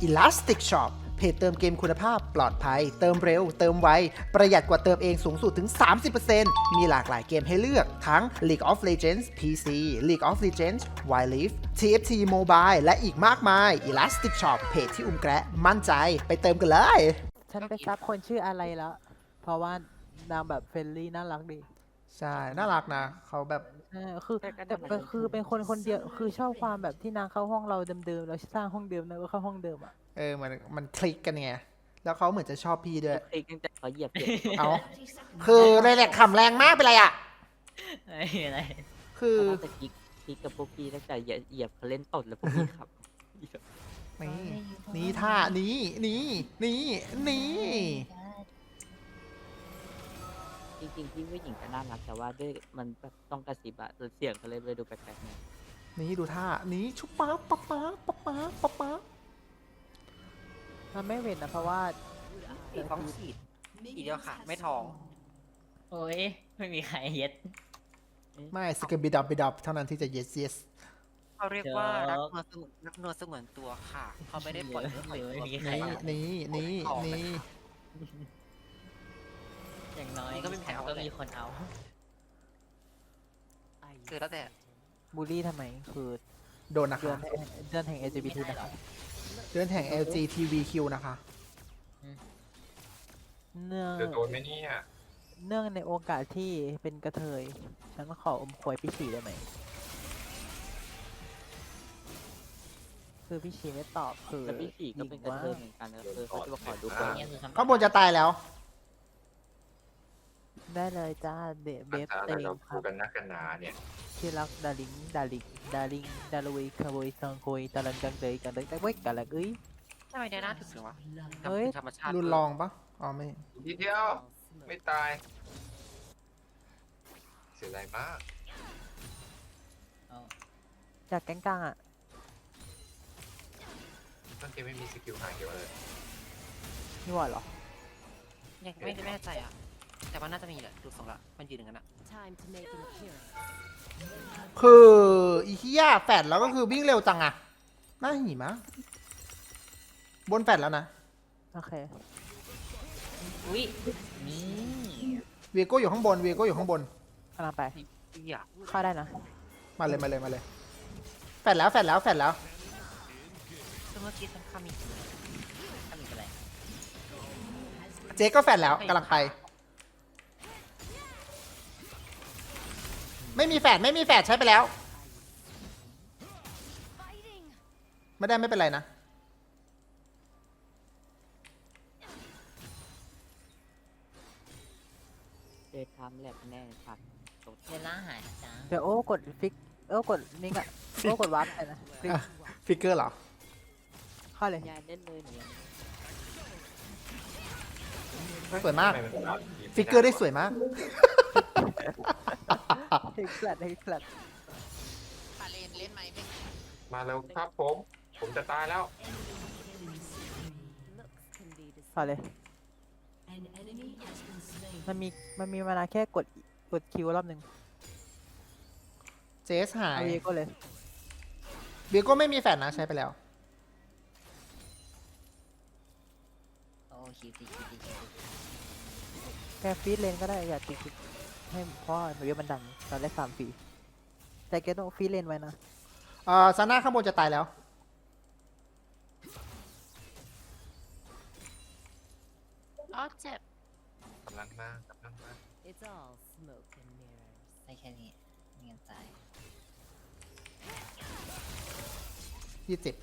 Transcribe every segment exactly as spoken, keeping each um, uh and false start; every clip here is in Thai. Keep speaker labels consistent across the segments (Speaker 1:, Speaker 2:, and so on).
Speaker 1: Elastic Shop เพจเติมเกมคุณภาพปลอดภัยเติมเร็วเติมไวประหยัดกว่าเติมเองสูงสุดถึง สามสิบเปอร์เซ็นต์ มีหลากหลายเกมให้เลือกทั้ง League of Legends พี ซี League of Legends Wild Rift ที เอฟ ที Mobile และอีกมากมาย Elastic Shop เพจที่อุ้มแกะมั่นใจไปเติมกันเลย
Speaker 2: ฉันไปซับคนชื่ออะไรแล้ว เพราะว่านางแบบเฟรนลี่น่ารักดี
Speaker 1: ใช่ น่ารักนะเขาแบบ
Speaker 2: เออคือแต่ก็คือเป็นคนคนเดียวคือชอบความแบบที่นางเข้าห้องเราเดิมๆเราสร้างห้องเดิมนะก็เข้าห้องเดิมอ่ะ
Speaker 1: เออมันมันคลิกกันไงแล้วเขาเหมือนจะชอบพี่ด้วย
Speaker 3: คลิกตั้งแต่เขาเหยียบเก็บ
Speaker 1: เอาคือเลยแหละขำแรงมากเป็นไรอ่ะ
Speaker 4: ไม่มีอะไร
Speaker 1: คือ
Speaker 3: เขาน่าจะคลิกคลิกกับพวกพี่ตั้งแต่เหยียบเหยียบเขาเล่นตดแล้วพวกพี่ขับ
Speaker 1: นี่นี่ท่านี้นี่นี่นี่
Speaker 3: จริงๆพี่ผู้หญิงก็น่ารักแต่ว่าด้วยมันแบบต้องกระซิบอะเสียงเขาเลยเลยดูแปลกๆเนี่ย
Speaker 1: นี่ดูท่านี้ชุบป๊าป๊าป๊าป๊าป๊าป๊าป๊า
Speaker 2: มันไม่เว้นนะเพราะว่า
Speaker 5: ฉีดท้องฉีดอีกเดียวค่ะ ไม่ท้อง
Speaker 4: โอ้ยไม่มีใครเย็ด
Speaker 1: ไม่สกิบิดับบิดับเท่านั้นที่จะ yes yes
Speaker 5: เขาเรียกว่า
Speaker 4: เดี๋
Speaker 5: รั
Speaker 4: ยว
Speaker 5: กนวลสงวนรักนวลสงวนตัวค่ะ เขาไม่ได้ปล่อยเรื่องปล่อย
Speaker 4: หรือ
Speaker 5: ตัว
Speaker 4: ไม่มีใคร
Speaker 1: นี่นี่นี่นี่
Speaker 4: อย่างน้อย
Speaker 5: นี่ก็ไม่มีใครเอา
Speaker 4: ก็
Speaker 5: เลย
Speaker 4: มีคนเอา
Speaker 5: คือแล้วแต่
Speaker 2: บูลลี่ทำไมคือ
Speaker 1: โดนนะ
Speaker 2: เดือ
Speaker 1: คะ
Speaker 2: นเดือนแห่ง แอล จี บี ที นะครับ
Speaker 1: เดือนแห่ง แอล จี ที วี คิว นะคะ
Speaker 2: เนื่อง
Speaker 6: จะโดนไหมเนี่ย
Speaker 2: เนื่องในโอกาสที่เป็นกระเทย ฉันขออมควยพี่ชีได้ไหม คือพี่ชีไม่ตอบคือ
Speaker 3: แล้วพี่ขี่ก็เป็นกระเทยเหมือนกันนะคือเขาจะมาขอดู
Speaker 6: ค
Speaker 3: คน
Speaker 6: รับ
Speaker 4: เนี่ยคือคำ
Speaker 1: ข้างบนจะตายแล้ว
Speaker 2: ได้เลยจ้าเดเบ
Speaker 6: อา
Speaker 2: ฟ
Speaker 6: จารย์
Speaker 2: เต็ง
Speaker 6: เรา
Speaker 2: ค
Speaker 6: พู
Speaker 2: รั
Speaker 6: ด
Speaker 2: บ
Speaker 6: กันนักกันหนาเนี่ย
Speaker 2: ที่รักดาริงดาลิงดาริงดาลุยคาบุยซังคุยตะลันจังเดยกันเลยแต่เว้ยกันละเอ้ย
Speaker 5: ทำไมได้หน้าถึงเลยวะ
Speaker 2: เฮ้ย
Speaker 5: ธรรมชาติ
Speaker 1: รุนลองปะอ๋อไม่
Speaker 6: ทีเดียวไม่ตาย เสียดายมาก
Speaker 4: เอา
Speaker 2: จากแก๊งกลางอ่ะ
Speaker 6: ตั้งเกมไม่มีสกิลหายเกี่ยวเลย
Speaker 2: นี่หว่าเหรอ
Speaker 5: ยังไม่ไม่แน่ใจอ่ะ แต่ว่าน่าจะมีแหละดูทรงละมันยืนอย่างนั้นอ่ะ
Speaker 1: คืออีเฮียแฟดแล้วก็คือวิ่งเร็วจังอะน่าหิมะบนแฟดแล้วนะ
Speaker 2: โอเค
Speaker 4: อุ้ยนี่
Speaker 1: เวโก้อยู่ข้างบนเวโก้อยู่ข้างบน
Speaker 2: กำลังไป
Speaker 5: พี่อ่ะ
Speaker 2: เข้าได้นะ
Speaker 1: มาเลยมาเลยมาเลยแฟดแล้วแฟดแล้วแฟดแล้ว
Speaker 5: ซึ่งเมื่อกี้ฉันข้ามอีก
Speaker 4: ทำอีกอะไร
Speaker 1: เจ๊ก็แฟดแล้วกำลังไป ไม่มีแฟดไม่มีแฟดใช้ไปแล้ว ไม่ได้ไม่เป็นไรนะ
Speaker 3: เดททำแลบแน่ชัดตด
Speaker 4: เวลาหายจ้า
Speaker 2: เดี๋ยวโอ้กดฟิกโอ้กดนี่กะโอ้กดวาร์ปไปนะฟิก
Speaker 1: อ่ะ ฟิกเกอร์เหรอ
Speaker 2: เข้าเลย
Speaker 3: ยายเล่นเลยเนี่ย
Speaker 1: สวยมาก
Speaker 6: ทำไมันตาย
Speaker 1: ฟิกเกอร์ได้สวยมาก
Speaker 2: เฮกแฟลตเฮกแฟลต
Speaker 5: พาเลนเล่นไหมเป็น
Speaker 6: มาแล้วครับผม ผมจะตายแล้ว
Speaker 2: เข้าเลย มันมีมันมีเวลาแค่กดกดคิวรอบหนึ่ง
Speaker 1: เจสหาย
Speaker 2: เอาเยก็เลย
Speaker 1: เวโก้ไม่มีแฟดนะใช้ไปแล้ว
Speaker 4: โอ้คิวตีคิวตีคิวตี
Speaker 2: แค่ฟีดเลนก็ได้อย่าติดคิดให้เพราะว่าเดี๋ยวมันดันตอนแรกสามฟรีแต่แกต้องฟีดเลนไว้นะ
Speaker 1: เอ่อซาน่าข้างบนจะตายแล้ว
Speaker 5: อ๋อเจ็บ
Speaker 6: กำลังมากกำลังมาก
Speaker 7: It's all smoke and mirrors.
Speaker 4: ได้แค่นี้ไม่งั้นตาย
Speaker 1: ยี่สิบ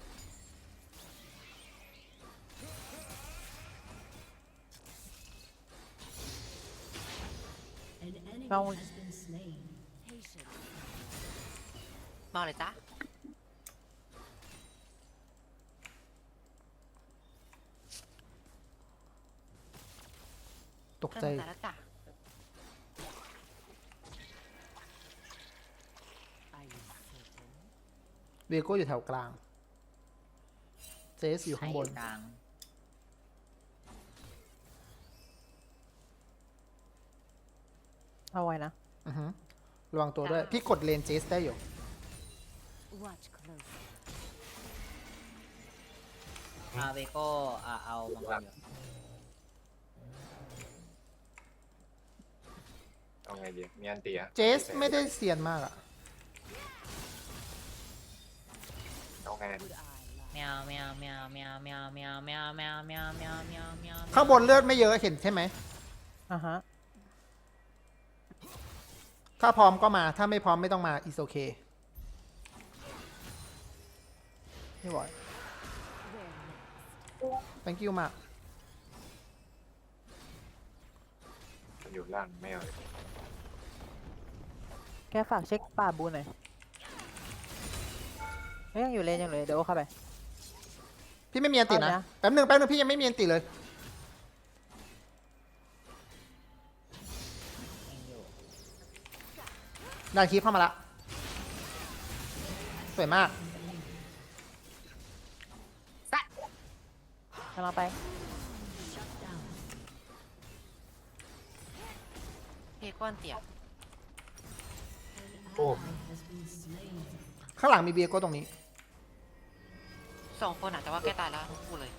Speaker 7: An enemy
Speaker 2: Không.
Speaker 7: has been slain. Patience.
Speaker 5: มาเลยจ้ะ
Speaker 1: ตกใจ
Speaker 5: เริ่มตายแล้วจ้ะ
Speaker 7: Are you certain?
Speaker 1: เวโก้อยู่แถวกลาง เจสอยู่ข้างบน
Speaker 4: ใครกลาง
Speaker 2: เอาไว้นะ
Speaker 1: อือฮึระวังตัวด้วย พี่กดเลนเจสได้อยู่
Speaker 7: Watch closely.
Speaker 4: อาเวโก้อ่าเอามังกรอยู่
Speaker 6: เอาไงดีมีอันเตีย
Speaker 1: เจสไม่ได้เซียนมากอะ
Speaker 6: เอาไง
Speaker 7: Would I lie?
Speaker 4: แมวแมวแมวแมวแมวแมวแมวแมวแมวแมวแมวแมว
Speaker 1: ข้างบนเลือดไม่เยอะเห็นใช่ไหม
Speaker 2: อ่ะฮะ
Speaker 1: ถ้าพร้อมก็มา ถ้าไม่พร้อมไม่ต้องมา is okay
Speaker 2: ไม่ไหว
Speaker 7: Where next?
Speaker 1: thank you มาก
Speaker 6: มันอยู่ล่างไม่เอา
Speaker 2: แค่ฝากเช็คป่าบูนหน่อยเฮ้ยยังอยู่เลนยังเลยเดี๋ยวโอ้เข้าไป
Speaker 1: พี่ไม่มีอันตินะ
Speaker 2: เอานะ
Speaker 1: แป๊บหนึงแป๊บหนึงพี่ยังไม่มีอันติเลย
Speaker 4: ยังอยู่
Speaker 1: ดานคีเข้ามาละ สวยมาก
Speaker 2: กำลังไป
Speaker 5: เฮก้อนเตีย
Speaker 6: โอ้
Speaker 1: ข้างหลังมีเบียโก้ตรงนี้
Speaker 5: สองคนอ่ะแต่ว่าแกตายแล้วทั้งคู่เลย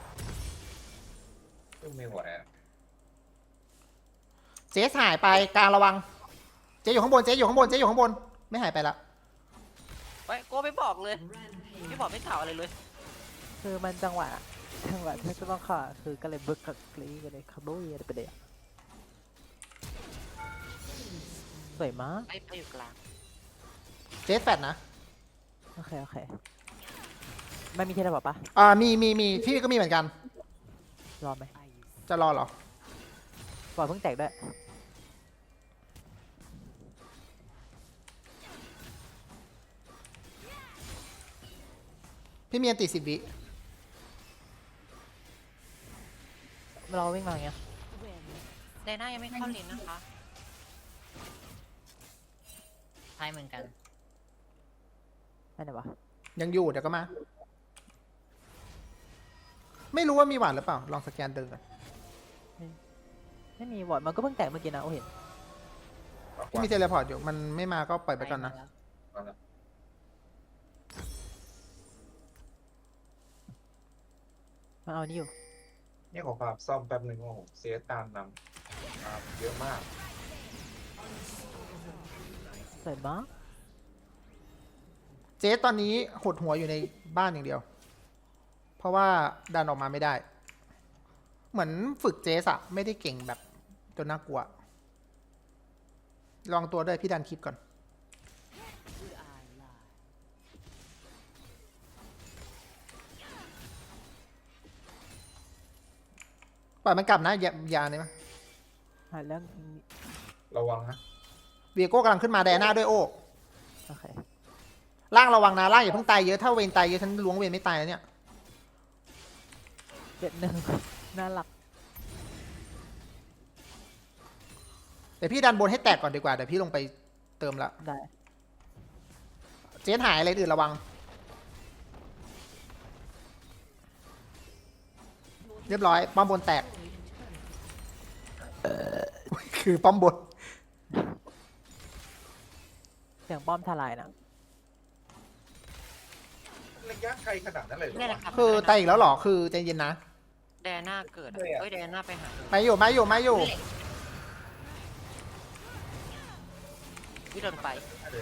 Speaker 6: ซึ่งไม่ไหวอะ
Speaker 1: เจ๊หายไปกลางระวัง เจ๊อยู่ข้างบน เจ๊อยู่ข้างบน เจ๊อยู่ข้างบน ไม่หายไปละ
Speaker 5: ไปโก้ไม่บอกเลยไม่บอกไม่กล่าวอะไรเลย
Speaker 2: คือมันจังหวะจังหวะที่จะต้องขาคือก็เลยบึกกับกรีกันเลยคาร์โบเยไปเลยอะสวยมาก
Speaker 5: ไปไปอยู่กลาง
Speaker 1: เจ๊แฟดนะ
Speaker 2: โอเคโอเคไม่มีเทเลพอร์ตปะ
Speaker 1: อ่า มีมีมีพี่ก็มีเหมือนกัน
Speaker 2: รอไหม
Speaker 7: I use
Speaker 1: จะรอเหรอ
Speaker 2: ปล่อยเพิ่งแตกด้วย
Speaker 1: พี่มีอันติสิบวิ
Speaker 2: เราวิ่งมาอย่างเงี้ย
Speaker 7: where next?
Speaker 5: ไดน่ายังไม่เข้าเลนนะคะ
Speaker 4: ใช่เหมือนกัน
Speaker 2: ไม่ไหนวะ
Speaker 1: ยังอยู่เดี๋ยวก็มา ไม่รู้ว่ามีหวานหรือเปล่า ลองสแกนเดินก่อน
Speaker 2: ไม่มีวอร์ดมันก็เพิ่งแตกเมื่อกี้นะโอ้เห็น
Speaker 1: พี่มีเทเลพอร์ตอยู่ มันไม่มาก็ปล่อยไปก่อนนะ
Speaker 6: เอาละ
Speaker 2: มันเอานี่อยู่
Speaker 6: เนี่ยขอความซ่อมแป๊บหนึ่งโอ้โหเสียตามนำครับเยอะมาก
Speaker 2: สวยมาก
Speaker 1: เจ๊ตอนนี้หดหัวอยู่ในบ้านอย่างเดียว เพราะว่าดันออกมาไม่ได้ เหมือนฝึกเจ๊อะไม่ได้เก่งแบบจนน่ากลัว ลองตัวด้วยพี่ดันคลิปก่อน
Speaker 7: Would I lie?
Speaker 1: ปล่อยมันกลับนะอย่าอย่าเนี่ย
Speaker 2: หาเรื่อง
Speaker 6: ระวังนะ
Speaker 1: เวียโก้กำลังขึ้นมาแดน่าด้วยโอ้
Speaker 2: โอเค
Speaker 1: ล่างระวังนะล่างอย่าเพิ่งตายเยอะถ้าเวนตายเยอะฉันล้วงเวนไม่ตายแล้วเนี่ย
Speaker 2: เจ็ดหนึ่ง น่ารัก
Speaker 1: เดี๋ยวพี่ดันบนให้แตกก่อนดีกว่าเดี๋ยวพี่ลงไปเติมละ
Speaker 2: ได้
Speaker 1: เจ๊หายอะไรอื่นระวัง เรียบร้อยป้อมบนแตกคือป้อมบน
Speaker 2: เสียงป้อมทลายนะ
Speaker 6: ระยะไกลขนาดนั้นเลยเหรอ
Speaker 5: เนี่ย
Speaker 6: วะ
Speaker 5: นะครับ
Speaker 1: คือตายอีกแล้วเหรอคือใจเย็นนะ
Speaker 5: แดน่าเกิดอะ
Speaker 6: เลยอะ
Speaker 5: เฮ้ยแดน่าไปหาเลย
Speaker 1: มาอยู่มาอยู่มาอยู่
Speaker 5: วิเดินไป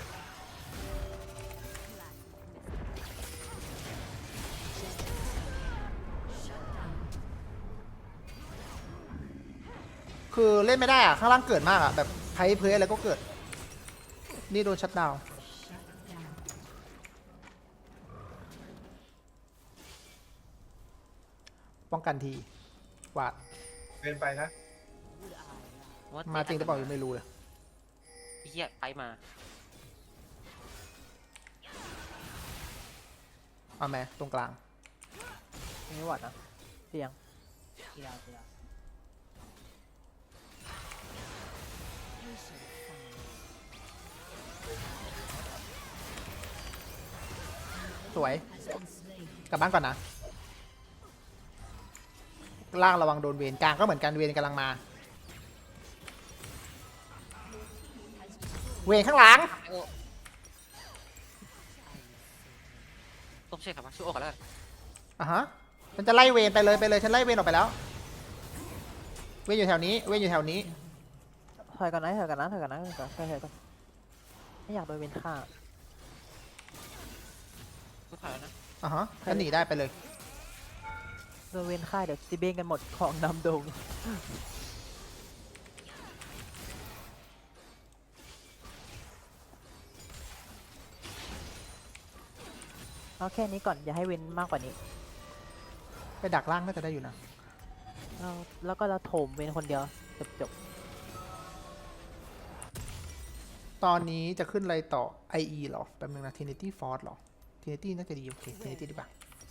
Speaker 1: คือเล่นไม่ได้อะข้างล่างเกิดมากอะแบบไพ่เพลอะไรก็เกิด นี่โดนชัดดาวน์ป้องกันทีวาด
Speaker 6: เป็นไปนะ
Speaker 7: Would I lie?
Speaker 5: ว่
Speaker 1: มาจริงหรือเปล่ายังไม่รู้เลย
Speaker 5: ไอ้เฮียไปมา
Speaker 1: เอาแม่ตรงกลาง
Speaker 2: ไม่วอร์ดนะเสียง
Speaker 4: ที่เราที่เรา
Speaker 7: Patient silence
Speaker 1: สวย
Speaker 7: has been slain.
Speaker 1: กลับบ้านก่อนนะ ล่างระวังโดนเวรกลางก็เหมือนกันเวรกำลังมา เวรข้างหลัง
Speaker 5: โอ้ต้องเช็คครับว่าชื่อโอกันแล้วกัน
Speaker 1: อ่ะฮะฉันจะไล่เวนไปเลยไปเลยฉันไล่เวนออกไปแล้ว เวนอยู่แถวนี้เวนอยู่แถวนี้
Speaker 2: ถอยก่อนนะถอยก่อนนะถอยก่อนนะถอยก่อนถอยก่อนไม่อยากโดนเวนฆ่า
Speaker 5: กูถอยแล้วนะ
Speaker 1: อ่ะฮะฉันหนีได้ไปเลย
Speaker 2: โดนเวนฆ่าเดี๋ยวซิเบนกันหมดของนำดงเอาแค่นี้ก่อนอย่าให้เวนมากกว่านี้
Speaker 1: ไปดักล่างน่าจะได้อยู่นะ
Speaker 2: เราแล้วก็เราโถมเวนคนเดียวจบจบ
Speaker 1: ตอนนี้จะขึ้นอะไรต่อ ไอ อี เหรอแป๊บนึงนะ Trinity Force เหรอ Trinity น่าจะดีโอเค Trinity ดีกว่า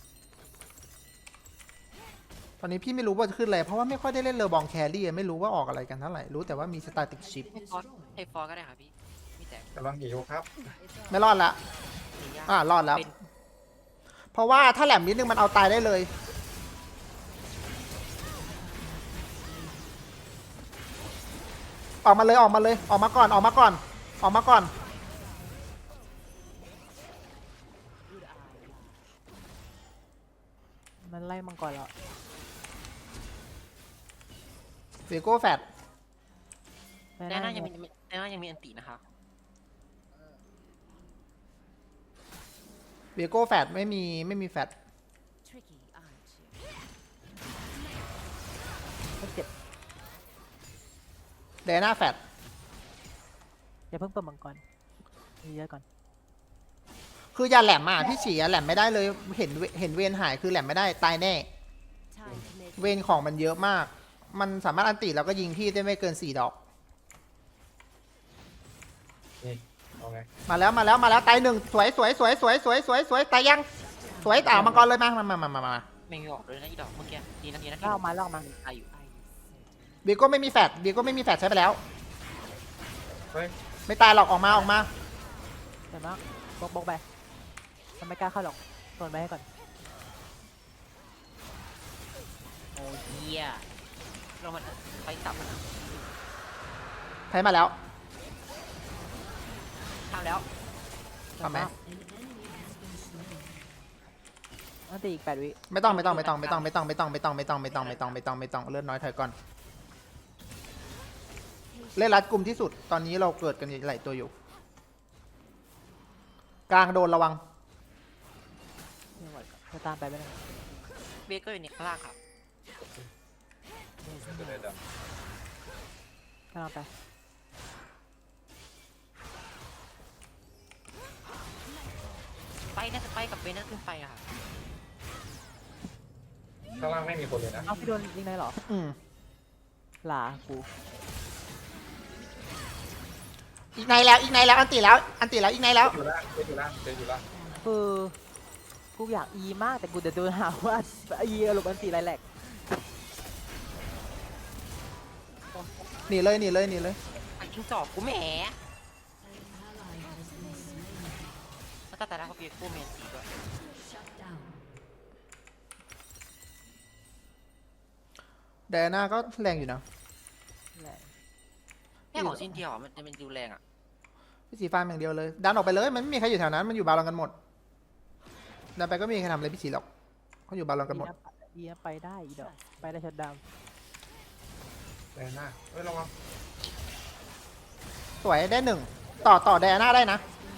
Speaker 1: ตอนนี้พี่ไม่รู้ว่าจะขึ้นอะไรเพราะว่าไม่ค่อยได้เล่นเลอบองแครี่ไม่รู้ว่าออกอะไรกันเท่าไหร่รู้แต่ว่ามี Static Ship
Speaker 5: ให้ฟอสให้ฟอสก็ได้ค่ะพี่มีแต่
Speaker 6: กำลังหิวครับ
Speaker 1: ไม่รอดละ
Speaker 5: มียาก
Speaker 1: อ่ารอดแล้ว
Speaker 5: เป็น
Speaker 1: เพราะว่าถ้าแหลมนิดนึงมันเอาตายได้เลย ออกมาเลยออกมาเลยออกมาก่อนออกมาก่อนออกมาก่อน
Speaker 7: Would I lie?
Speaker 2: มันไล่มังกรแล้ว
Speaker 1: เวโก้แฟด
Speaker 2: ไม่
Speaker 5: แน่น่ายัง
Speaker 2: ไ
Speaker 5: มีแน่น่ายังมีอันตินะคะ
Speaker 1: เวโก้แฟดไม่มีไม่มีแฟด
Speaker 7: Tricky, aren't you?
Speaker 2: ม่เจ็บ
Speaker 1: เดน่าแฟด
Speaker 2: อย่าเพิ่งเปิดมังกรเยอะก่อน
Speaker 1: คืออย่าแหลมอ่ะพี่ฉี่อ่ะแหลมไม่ได้เลยเห็นเวเห็นเวนหายคือแหลมไม่ได้ตายแน่
Speaker 7: Time to make
Speaker 1: เวนของมันเยอะมาก มันสามารถอันติแล้วก็ยิงพี่ได้ไม่เกินสี่ดอก
Speaker 6: นี่เอาไง
Speaker 1: มาแล้วมาแล้วมาแล้วตายหนึ่งสวยสวยสวยสวยสวยสวยสวยตายยังสวยต่ามังกรเลยมามามามามามา
Speaker 5: ไม่มีออกเลยนะอีดอกเมื่อกี้ดีนะดีนะ
Speaker 2: ลากออกมาลากออกมา
Speaker 5: ตายอยู่
Speaker 1: เบียโก้ไม่มีแฟดเบียโก้ไม่มีแฟดใช้ไปแล้ว
Speaker 6: เฮ้ย
Speaker 1: ไม่ตายหรอกออกมาออกมา
Speaker 2: เดี๋ยวนะบล็อกบล็อกไปมันไม่กล้าเข้าหรอกโดนไปให้ก่อน
Speaker 4: โอ้เหี้ย
Speaker 5: เรามันไปตับมัน
Speaker 1: ใช้มาแล้ว
Speaker 5: ทำแล้ว
Speaker 1: ทำไหม
Speaker 2: อันตีอีกแปดวิ
Speaker 1: ไม่ต้องไม่ต้องไม่ต้องไม่ต้องไม่ต้องไม่ต้องไม่ต้องไม่ต้องไม่ต้องไม่ต้องไม่ต้องไม่ต้องเลือดน้อยถอยก่อนเล่นรัดกลุ่มที่สุดตอนนี้เราเกิดกันหลายตัวอยู่ กลางโดนระวัง
Speaker 2: ไม่ไหวจะตามไปไม่ได้
Speaker 5: เบเกอร์อยู่ในข้างล่างครับ
Speaker 6: จะได้ด
Speaker 2: กำลังไป
Speaker 5: ไปน่าจะไปกับเบนน่าขึ้นไปอะค่ะ
Speaker 6: ำข้างล่างไม่มีคนเลยนะ
Speaker 2: เอาพี่โดนยิงได้เหรอ
Speaker 1: อืม
Speaker 2: หลากู
Speaker 1: อีกในแล้วอีกในแล้วอันติแล้วอันติแล้วอีกในแล้ว
Speaker 6: อยู่ล่างเจ๊อยู่ล่างเจ๊อยู่ล่าง
Speaker 2: คือกูอยากอีมากแต่กูจะโดนหาว่าอีอารมณ์อันตีไรแหลก
Speaker 1: หนีเลยหนีเลยหนีเลย
Speaker 5: ไอ้จิ้งจอกกูแหมแล้วก็แต่ละเขาเบียร์กูเมนตีด้วย
Speaker 7: shut down.
Speaker 1: แดน่าก็แรงอยู่นะ
Speaker 2: แหลก
Speaker 5: แค่ของชิ้นเดียวอะมันจะเป็นดูแรงอ่ะ
Speaker 1: พี่สีฟ้าอย่างเดียวเลยดันออกไปเลยมันไม่มีใครอยู่แถวนั้นมันอยู่บาลอนกันหมดดันไปก็ไม่มีใครทำอะไรพี่สีหรอกเขาอยู่บาลอนกันหมด
Speaker 2: อีนะไปได้อีดอกไปได้ชัดดาวน์
Speaker 6: แรงหน้าเฮ้ยระวัง
Speaker 1: สวยได้หนึ่งต่อต่อแดน่าได้นะ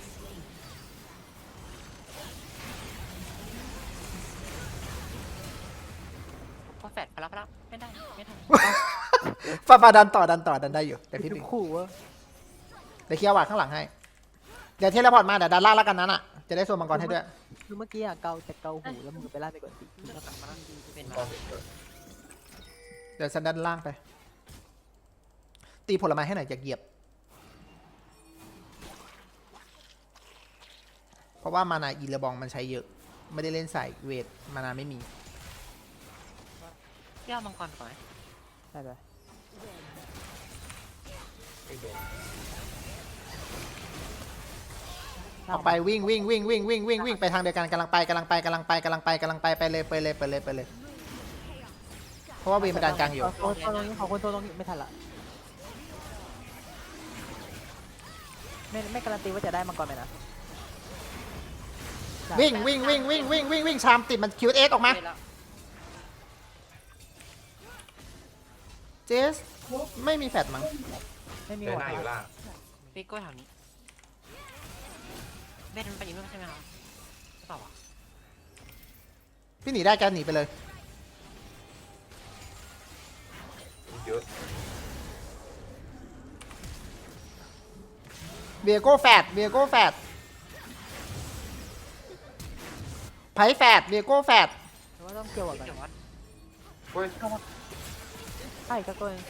Speaker 5: พอแฟดพลับพลับไม่ได้ไม่ได้
Speaker 1: ฟาฟาดันต่อดันต่อดันได้อยู่แต่พี่
Speaker 2: ดู
Speaker 1: ปิง
Speaker 2: ขู่ว่า
Speaker 1: เดี๋ยวเคลียร์วาดข้างหลังให้เดี๋ยวเทเลพอร์ตมาเดี๋ยวดันล่างแล้วกันนั้นอ่ะจะได้โซนมังกรให้ด้วย
Speaker 2: คือเมื่อกี้อะเกาแต่เกาหูแล้วมือไปล่าไปกดตี
Speaker 5: แล้วกลับมาแล้วเป็น
Speaker 6: กอ
Speaker 5: มาง
Speaker 6: เกิด
Speaker 1: เดี๋ยวฉันดันล่างไป ตีผลไม้ให้หน่อยอย่าเหยียบ เพราะว่ามานาอีเลบองมันใช้เยอะ ไม่ได้เล่นใส่เวทมานาไม่มี
Speaker 5: เที่ยวมังกรก่อนไหม
Speaker 2: ได้ไป
Speaker 6: ไม่โดน
Speaker 1: ออกไปวิ่งวิ่งวิ่งวิ่งวิ่งวิ่งวิ่งไปทางเดียวกันกำลังไปกำลังไปกำลังไปกำลังไปกำลังไปไปเลยไปเลยไปเลยไปเลย เพราะว่าเวทมันดันกลางอยู่
Speaker 2: ขอคนตรงนี้ขอคนตรงนี้ไม่ทันละไม่ไม่การันตีว่าจะได้มังกรไหมนะ
Speaker 1: วิ่งวิ่งวิ่งวิ่งวิ่งวิ่งวิ่งชามติดมันคิวเอสออกมา
Speaker 5: เวล
Speaker 1: เจสไม่มีแฟดมั้ง
Speaker 2: ไม่มี
Speaker 6: เดิน
Speaker 2: หัว
Speaker 6: หน้าอยู่ล่าง
Speaker 5: พี่กล้วยแถวนี้เบนมันไปอยู่นู่นใช่ไหมครับใช่เปล่าวะ
Speaker 1: พี่หนีได้แกหนีไปเลย
Speaker 6: เยอะ
Speaker 1: เวียโก้แฟดเวียโก้แฟดไพ่แฟดเวียโก้แฟด
Speaker 2: แต่ว่าต้องเกี่ยวกับกัน
Speaker 5: เดี๋ยววัด
Speaker 6: เฮ้ย
Speaker 2: ใช่ก็ตัวเอง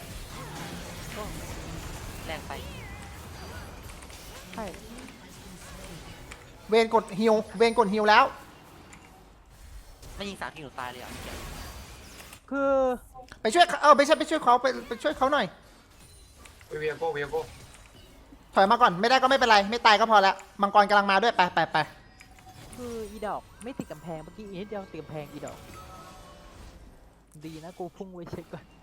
Speaker 5: แรงไป
Speaker 2: ใช่
Speaker 1: เวนกดฮิวเวนกดฮิวแล้ว
Speaker 5: ไม่ยิงสามทีหนูตายเลยอ่ะ
Speaker 2: คือ
Speaker 1: ไปช่วยเออไปช่วยไปช่วยเขาไปไปช่วยเขาหน่อย
Speaker 6: เฮ้ยเวียโก้เวียโก้
Speaker 1: ถอยมาก่อนไม่ได้ก็ไม่เป็นไรไม่ตายก็พอแล้วมังกรกำลังมาด้วยไปไปไป
Speaker 2: คืออีดอกไม่ติดกำแพงเมื่อกี้อีนิดเดียวติดกำแพงอีดอกดีนะกูพุ่งไว้เช็คก่อน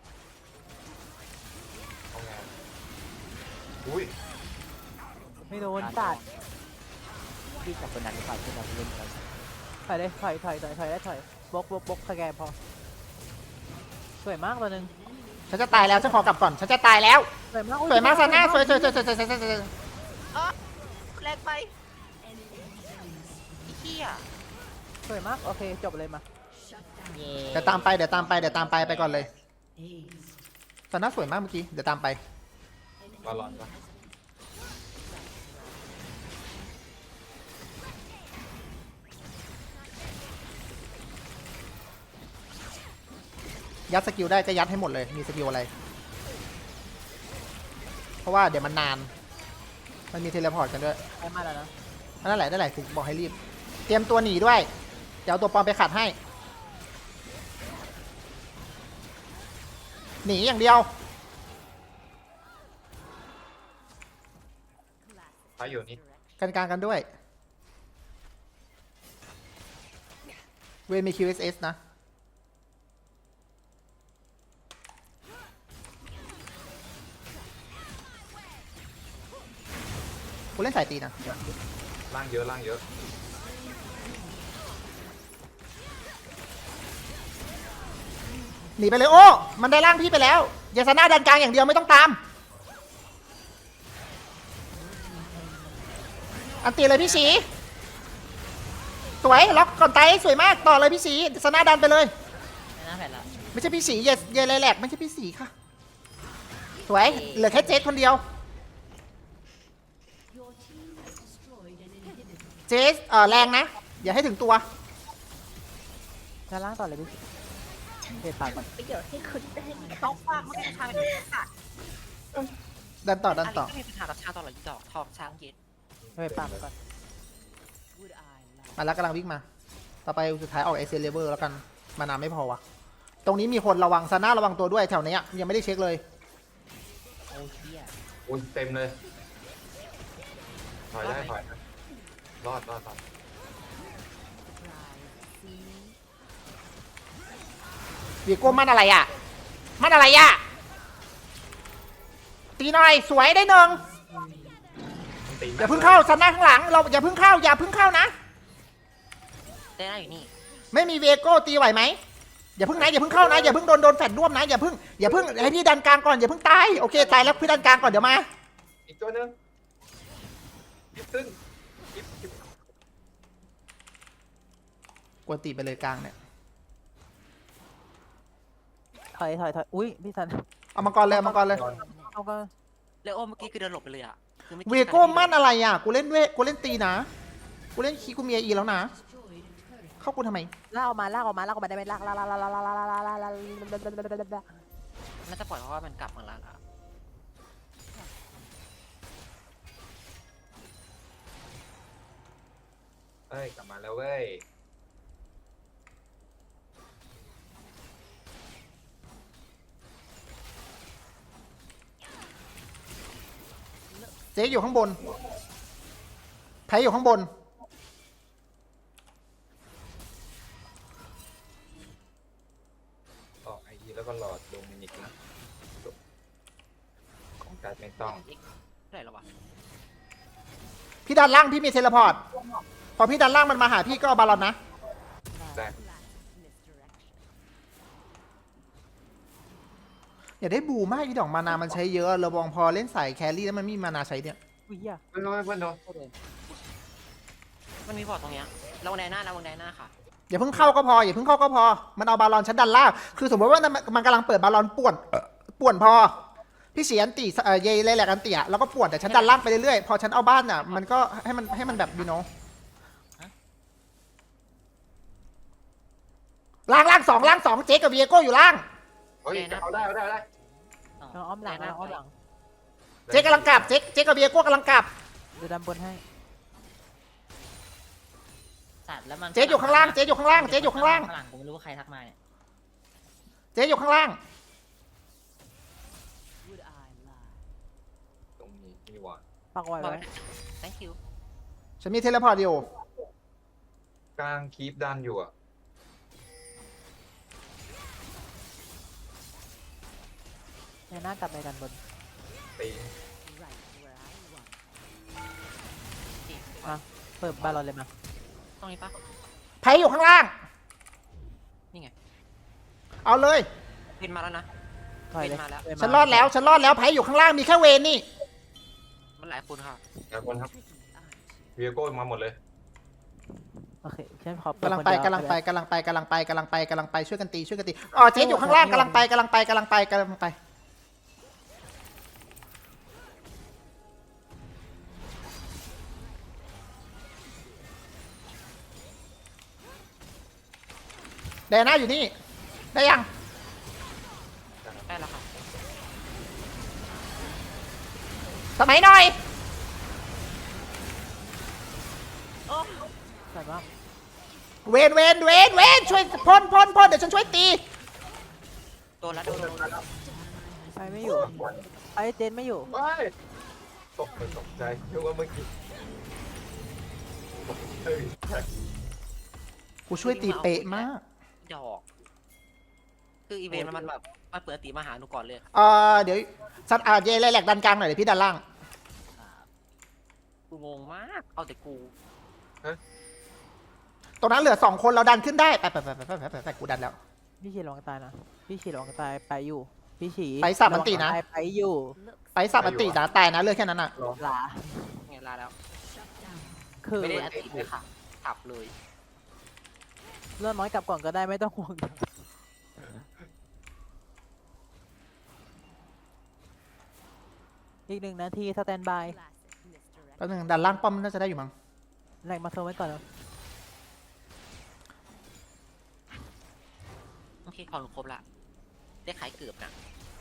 Speaker 6: เอาไงอุ้ย
Speaker 2: ไม่โดนตัด
Speaker 3: ที่จากคนนั้นหรือเปล่าที่เราเล่นกัน
Speaker 2: ถอยเลยถอยถอยถอยถอยได้ถอยบล็อกบล็อกบล็อกสแกนพอสวยมากตัวหนึ่ง
Speaker 1: ฉันจะตายแล้วฉันขอกลับก่อนฉันจะตายแล้ว
Speaker 2: สวยมาก
Speaker 1: สวยมากซาน่าสวยสวยสวยสวยสวยสวยสวยสวย
Speaker 5: แรงไปไอ้เหี้ย
Speaker 2: สวยมากโอเคจบเลยมา
Speaker 4: เย่
Speaker 1: เดี๋ยวตามไปเดี๋ยวตามไปเดี๋ยวตามไปไปก่อนเลยซาน่าสวยมากเมื่อกี้เดี๋ยวตามไป
Speaker 6: บอลลอนปะ
Speaker 1: ยัดสกิลได้ก็ยัดให้หมดเลยมีสกิลอะไร เพราะว่าเดี๋ยวมันนาน มันมีเทเลพอร์ตกันด้วย
Speaker 2: ไปมาแล้วนะ
Speaker 1: นั่นแหละนั่นแหละถึงบอกให้รีบ เตรียมตัวหนีด้วยเดี๋ยวเอาตัวปลอมไปขัดให้ หนีอย่างเดียว
Speaker 6: พาอยู่นี่
Speaker 1: กันกลางกันด้วย เวนมี คิว เอส เอส นะ กูเล่นสายตีนะ
Speaker 6: ล่างเยอะล่างเยอะ
Speaker 1: หนีไปเลยโอ้ มันได้ร่างพี่ไปแล้วอย่าซาน่าดันกลางอย่างเดียวไม่ต้องตาม อันตีเลยพี่สีสวยล็อกก่อนไตสวยมากต่อเลยพี่สีซาน่าดันไปเลย
Speaker 4: ไม่น่าแผดละ
Speaker 1: ไม่ใช่พี่สีอย่าอย่าเลยแหลกไม่ใช่พี่สีค่ะ สวยเหลือแค่เจสคนเดียว
Speaker 7: Your team has destroyed an inhibitor.
Speaker 1: เจสเออแรงนะ อย่าให้ถึงตัว
Speaker 2: ด้านล่างต่อเลยพี่เด็ดปากก่อน
Speaker 5: ต้องฟากไม่ได้ทางเลยค่ะ
Speaker 1: ดันต่อดัน
Speaker 5: อัน
Speaker 1: ต่อ
Speaker 5: นี้ก็มีปัญหากับชาตลอดยี่ดอกทองช้างเย็น
Speaker 2: เด็ดปากไปก่อน
Speaker 7: Would I lie?
Speaker 1: มาแล้วกำลังวิ่งมา ต่อไปสุดท้ายออกเอเซเลเวอร์แล้วกัน มานานไม่พอวะตรงนี้มีคนระวังซาน่าระวังตัวด้วยแถวเนี้ยยังไม่ได้เช็คเลย
Speaker 3: โอ้เชี่ย
Speaker 6: อุ้ยเต็มเลยถอยได้ถอยได้รอดรอดรอด
Speaker 7: Surprise. See?
Speaker 1: วีโก้มันอะไรอ่ะ มันอะไรอ่ะ ตีหน่อยสวยได้หนึ่ง
Speaker 6: มันตี
Speaker 1: อย่าเพิ่งเข้าซาน่าข้างหลังเราอย่าเพิ่งเข้าอย่าเพิ่งเข้านะ
Speaker 5: ได้ได้อยู่นี่
Speaker 1: ไม่มีเวโก้ตีไหวไหมอย่าเพิ่งนะอย่าเพิ่งเข้านะอย่าเพิ่งโดนโดนแฟดร่วมนะอย่าเพิ่งอย่าเพิ่งให้พี่ดันกลางก่อนอย่าเพิ่งตายโอเคตายแล้วพี่ดันกลางก่อนเดี๋ยวมา
Speaker 6: อีกตัวหนึงยิบขึ้นยิบยิบ
Speaker 1: กวนตีไปเลยกลางเนี่ย
Speaker 2: ถอยถอยถอยอุ้ยพี่สัน
Speaker 1: เอามังกรเลยเอามังกรเลย
Speaker 2: เอาก็
Speaker 5: แล้วโอ้เมื่อกี้คือเดินหลบไปเลยอ่ะคือไม่
Speaker 1: เวโก้มั่นอะไรอ่ะกูเล่นเวกูเล่นตีนะกูเล่นคีกูมีอีแล้วนะ
Speaker 7: Destroyed a turret.
Speaker 1: เข้ากูทำไม
Speaker 2: ลากออกมาลากออกมาลากออกมาได้ไหมลากลากลากลากลากลากลากลากลากลากลาก
Speaker 5: น่าจะปล่อยเพราะว่ามันกลับมาแล้วอะ
Speaker 6: เอ้ยกลับมาแล้วเว้ย
Speaker 1: เจ๊อยู่ข้างบนไพอยู่ข้างบน
Speaker 6: ออกไอดีแล้วก็รอโดมินิกนะจบของการไม่ต้อง
Speaker 5: เท่าไหร่แล้ววะ
Speaker 1: พี่ดันล่างพี่มีเทเลพอร์ตพอพี่ดันล่างมันมาหาพี่ก็เอาบาลอนนะ
Speaker 6: ได้
Speaker 7: Classic misdirection.
Speaker 1: อย่าได้บูมากอีดอกมานามันใช้เยอะระวังพอเล่นสายแครี่แล้วมันไม่มีมานาใช้เนี่ย
Speaker 2: อุ้ยเหี้ย
Speaker 6: เพื่อนโดนเพื่อนโดน
Speaker 5: มันมีบอร์ดตรงเนี้ยระวังไดหน้าระวังไดหน้าค่ะ
Speaker 1: อย่าเพิ่งเข้าก็พออย่าเพิ่งเข้าก็พอมันเอาบาลอนชั้นดันล่างคือสมมติว่ามันกำลังเปิดบาลอนป่วนป่วนพอพี่เสียนตีเอ่อเยเลยแหละกันเตียแล้วก็ป่วนแต่ฉันดันล่างไปเรื่อยๆพอฉันเอาบ้านอ่ะมันก็ให้มันให้มันแบบยูโนล่างล่างสองล่างสองเจ๊กับเวียโก้อยู่ล่าง
Speaker 6: เฮ้ยเอาได้เอาได้เอาได้
Speaker 2: เราอ้อมหลังเราอ้อมหลัง
Speaker 1: เจ๊กำลังกลับเจ๊เจ๊กับเวียโก้กำลังกลับ
Speaker 2: ดูดันบนให้
Speaker 4: สัตว์แล้วมัน
Speaker 1: เจ๊อยู่ข้างล่างเจ๊อยู่ข้างล่างเจ๊อยู่ข้างล่าง
Speaker 4: ข้างหลังผมไม่รู้ว่าใครทักมาเนี่ย
Speaker 1: เจ๊อยู่ข้างล่าง
Speaker 7: Would I lie?
Speaker 6: ตรงนี้นี่หว่า
Speaker 2: ปักไว้
Speaker 5: บอร์
Speaker 2: ไว้
Speaker 5: ด thank you
Speaker 1: ฉันมีเทเลพอร์ตอยู่
Speaker 6: กลางคีปดันอยู่อ่ะ
Speaker 2: ในหน้ากลับไปดันบน
Speaker 6: ตี
Speaker 7: Right where I want.
Speaker 5: นี่
Speaker 2: เปิดบาลอนเลยมา
Speaker 5: ตรงนี้ปะ
Speaker 1: ไพอยู่ข้างล่าง
Speaker 5: นี่ไง
Speaker 1: เอาเลย
Speaker 5: วินมาแล้วนะ
Speaker 2: ถอยเลย
Speaker 5: มาแล้ว
Speaker 2: เยมา
Speaker 1: ฉันรอดแล้วฉันรอดแล้วไพอยู่ข้างล่างมีแค่เวนนี่
Speaker 5: มันหลายคนค่ะ
Speaker 6: แต่คนครับ
Speaker 7: Tricky, aren't you?
Speaker 6: เวียโก้มาหมดเลย
Speaker 2: โอเคฉันขอก
Speaker 1: ำลังไปกำลังไปกำลังไปกำลังไปกำลังไปกำลังไปช่วยกันตีช่วยกันตีอ๋อเจ๊อยู่ข้างล่างกำลังไปกำลังไปกำลังไปกำลังไปแดน่าอยู่นี่ได้ยัง
Speaker 5: ได้แล้วค่ะ
Speaker 1: สมัยหน่อย
Speaker 2: ใส่บ้าง
Speaker 1: เวนเวนเวนเวนช่วยพ่นพ่นพ่นเดี๋ยวฉันช่วยตี
Speaker 5: โดนแล้วโดนโดนโดน
Speaker 2: ไปไม่อยู่ไอ้เจนไม่อยู่
Speaker 6: ว้ายตกใจตกใจนึกว่าเมื่อกี้เฮ้ย
Speaker 1: กูช่วยตีเป๊ะมาก
Speaker 5: ดอกคืออีเวนต์มันแบบมันเปิดตีมาหาหนูก่อนเลย
Speaker 1: เออเดี๋ยวซัดอาเยเลยแหลกดันกลางหน่อยเดี๋ยวพี่ดันล่าง
Speaker 5: กูงงมากเอาแต่กู
Speaker 1: ตรงนั้นเหลือสองคนเราดันขึ้นได้ไปไปไปไปไปไปไปกูดันแล้ว
Speaker 2: พี่ฉีระวังตายนะพี่ฉีระวังตายไปอยู่พี่ฉี
Speaker 1: ไปสับมันตีนะ
Speaker 2: ระวังตายไปอยู่
Speaker 1: ไปสับอันตินะตายนะเลือกแค่นั้นอ่ะ
Speaker 2: หลา
Speaker 5: ไงลาแล้ว
Speaker 2: คือ
Speaker 5: ไม่ได้อันติเลยค่ะขับเลย
Speaker 2: เลื่อนน้อยกลับก่อนก็ได้ไม่ต้องห่วงอีกหนึ่งนาทีสแตนบาย
Speaker 7: Classic, Mister
Speaker 1: แป๊บนึงดันล่างป้อมน่าจะได้อยู่มั้ง
Speaker 2: แหลกมาโซนไว้ก่อนแล้ว
Speaker 5: โอเคของหนูครบละได้ขายเกือบนะ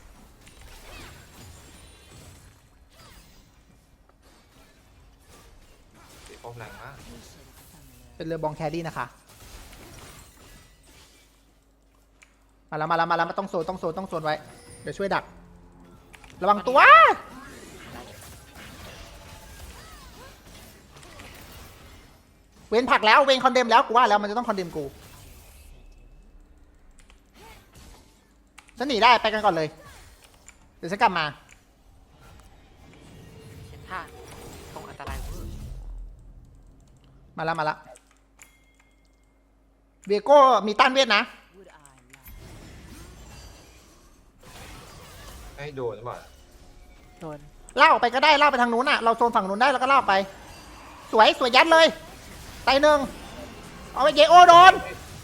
Speaker 6: ตีป้อมแรงมาก
Speaker 1: เป็นเรือบองแครี่นะคะมาแล้วมาแล้วมาแล้วมาต้องโซนต้องโซนต้องโซนไว้เดี๋ยวช่วยดักระวังตัวเวนผลักแล้วเวนคอนเดมแล้วกูว่าแล้วมันจะต้องคอนเดมกูฉันหนีได้ไปกันก่อนเลยเดี๋ยวฉันกลับมา
Speaker 5: เช็ดท่าตรงอันตรายเวอร์
Speaker 1: มาแล้วมาแล้วเวโก้มีต้านเวทนะ
Speaker 7: Would I lie?
Speaker 6: ให้โดนหรือเปล่า
Speaker 2: โดน
Speaker 1: เล่าออกไปก็ได้เล่าไปทางนู้นอ่ะเราโซนฝั่งนู้นได้แล้วก็เล่าไป สวยสวยยัดเลยไตหนึ่งเอาไปเยโอโดน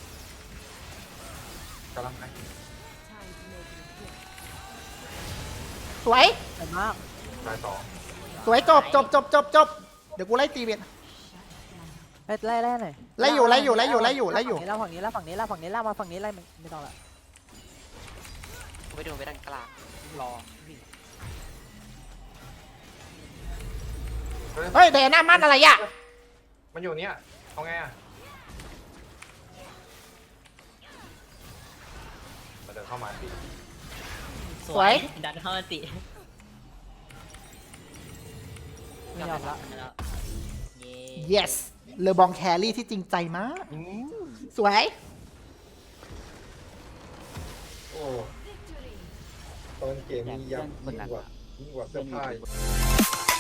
Speaker 6: กำลังไป
Speaker 7: Time to make an appearance.
Speaker 1: สวย
Speaker 2: สวยมาก
Speaker 6: ตายสอง
Speaker 1: สวยจบจบจบจบจบเดี๋ยวกูไล่ตีเวท
Speaker 2: ไล่ไล่ไล่หน่อย
Speaker 1: ไล่อยู่ไล่อยู่ไล่อยู่ไล่อยู่ไล่อยู่
Speaker 2: ไล่ฝั่งนี้ไล่ฝั่งนี้ไล่ฝั่งนี้ไล่มาฝั่งนี้ไล่ไม่ต้องละ
Speaker 5: กูไปโดนไปด้านกลางรอวิ่ง
Speaker 1: เฮ้ยเดน่ามันอะไรอ่ะ
Speaker 6: มันอยู่เนี่ยเอาไงอ่ะมันเดินเข้ามาตี
Speaker 1: สวย
Speaker 4: ดันเข้ามาติ
Speaker 2: ไม่ยอมละ
Speaker 4: แล้วเย้
Speaker 1: yes เลอบองแครี่ที่จริงใจมาก สวย
Speaker 6: โอ้ตอนเกมนี้ยับยิ่งกว่ายิ่งกว่าเสื้อผ้าอีก